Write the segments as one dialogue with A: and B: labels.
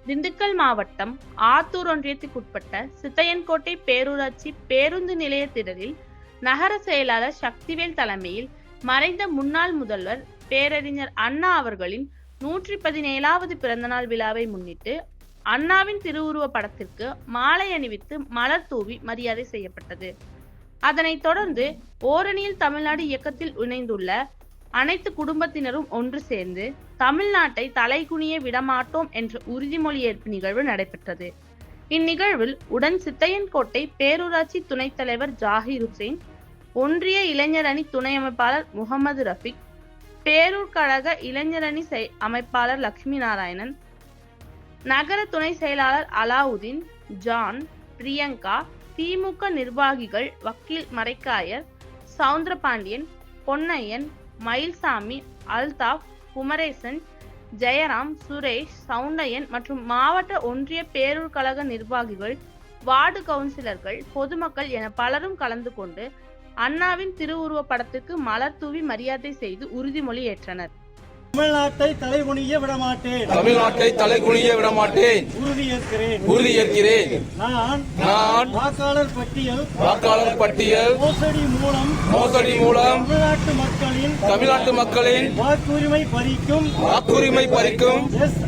A: திண்டுக்கல் மாவட்டம் ஆத்தூர் ஒன்றியத்துக்குட்பட்ட சித்தையன்கோட்டை பேரூராட்சி பேருந்து நிலைய திடலில் நகர செயலாளர் சக்திவேல் தலைமையில் மறைந்த முன்னாள் முதல்வர் பேரறிஞர் அண்ணா அவர்களின் 117வது பிறந்தநாள் விழாவை முன்னிட்டு அண்ணாவின் திருவுருவ படத்திற்கு மாலை அணிவித்து மலர் தூவி மரியாதை செய்யப்பட்டது. அதனைத் தொடர்ந்து ஓரணியில் தமிழ்நாடு இயக்கத்தில் இணைந்துள்ள அனைத்து குடும்பத்தினரும் ஒன்று சேர்ந்து தமிழ்நாட்டை தலைகுனிய விடமாட்டோம் என்ற உறுதிமொழி ஏற்பு நிகழ்வு நடைபெற்றது. இந்நிகழ்வில் உடன் சித்தையன்கோட்டை பேரூராட்சி துணைத் தலைவர் ஜாகிர் ஹுசைன், ஒன்றிய இளைஞர் அணி துணை அமைப்பாளர் முகமது ரஃபிக், பேரூர் கழக இளைஞர் அணி அமைப்பாளர் லட்சுமி நாராயணன், நகர துணை செயலாளர் அலாவுதீன், ஜான், பிரியங்கா, திமுக நிர்வாகிகள் வக்கீல் மரைக்காயர், சவுந்தரபாண்டியன், பொன்னையன், மயில்சாமி, அல்தாப், குமரேசன், ஜெயராம், சுரேஷ், சவுண்டையன் மற்றும் மாவட்ட ஒன்றிய பேரூர் கழக நிர்வாகிகள், வார்டு கவுன்சிலர்கள், பொதுமக்கள் என பலரும் கலந்து கொண்டு அண்ணாவின் திருவுருவ படத்துக்கு மலர் தூவி மரியாதை செய்து உறுதிமொழி ஏற்றனர்.
B: தமிழ்நாட்டை தலைகுனிய விடமாட்டேன்.
C: தமிழ்நாட்டை தலைகுனிய விடமாட்டேன். உறுதியேற்கிறேன்.
B: நான் வாக்காளர் பட்டியல் மோசடி மூலம் தமிழ்நாட்டு மக்களின் வாக்குரிமை பறிக்கும்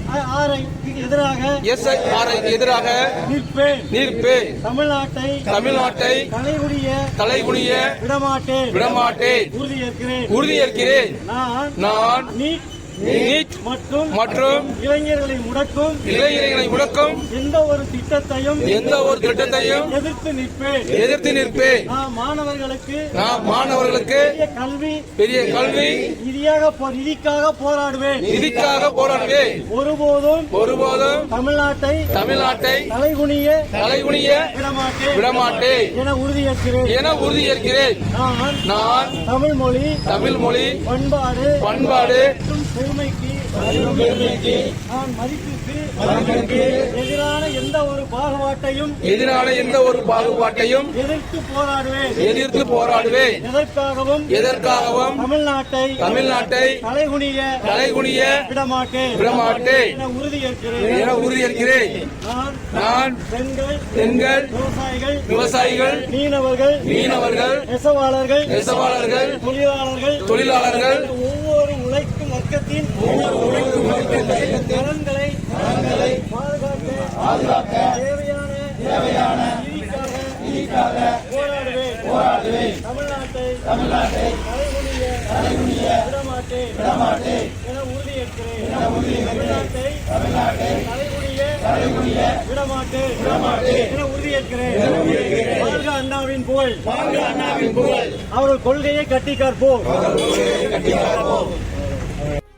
B: SIR
C: எதிராக நிற்பேன். தமிழ்நாட்டை தலைகுனிய விடமாட்டேன். உறுதியேற்கிறேன். நான் நீட் மற்றும் இளைஞர்களை முடக்கும் எந்த ஒரு திட்டத்தையும் எதிர்த்து நிற்பேன். நாம் மாணவர்களுக்கு பெரிய கல்வி நிதிக்காக போராடுவேன். ஒருபோதும் தமிழ்நாட்டை தலைகுனிய விடமாட்டேன் என உறுதியேற்கிறேன். நான் தமிழ் மொழி பண்பாடு பெருமைக்கு நான் மதிப்புக்கு எதிரான எந்த ஒரு பாகுபாட்டையும் எதிர்த்து போராடுவேன். எதற்காகவும் தமிழ்நாட்டை தலைகுனிய விடமாட்டேன் என உறுதியேற்கிறேன். நான் பெண்கள், விவசாயிகள், மீனவர்கள், நெசவாளர்கள், தொழிலாளர்கள் ஒவ்வொரு உழைக்கும் வர்க்கத்தின் நலன்களை பாதுகாக்க தேவையான நீதிக்காக போராடுவேன். தமிழ்நாட்டை தலைகுனிய விடமாட்டேன் என உறுதியேற்கிறேன். தமிழ்நாட்டை தலைகுனிய விடமாட்டேன் என உறுதியேற்கிறேன். வாழ்க அண்ணாவின் புகழ். அவர்கள் கொள்கையை கட்டி காப்போம்.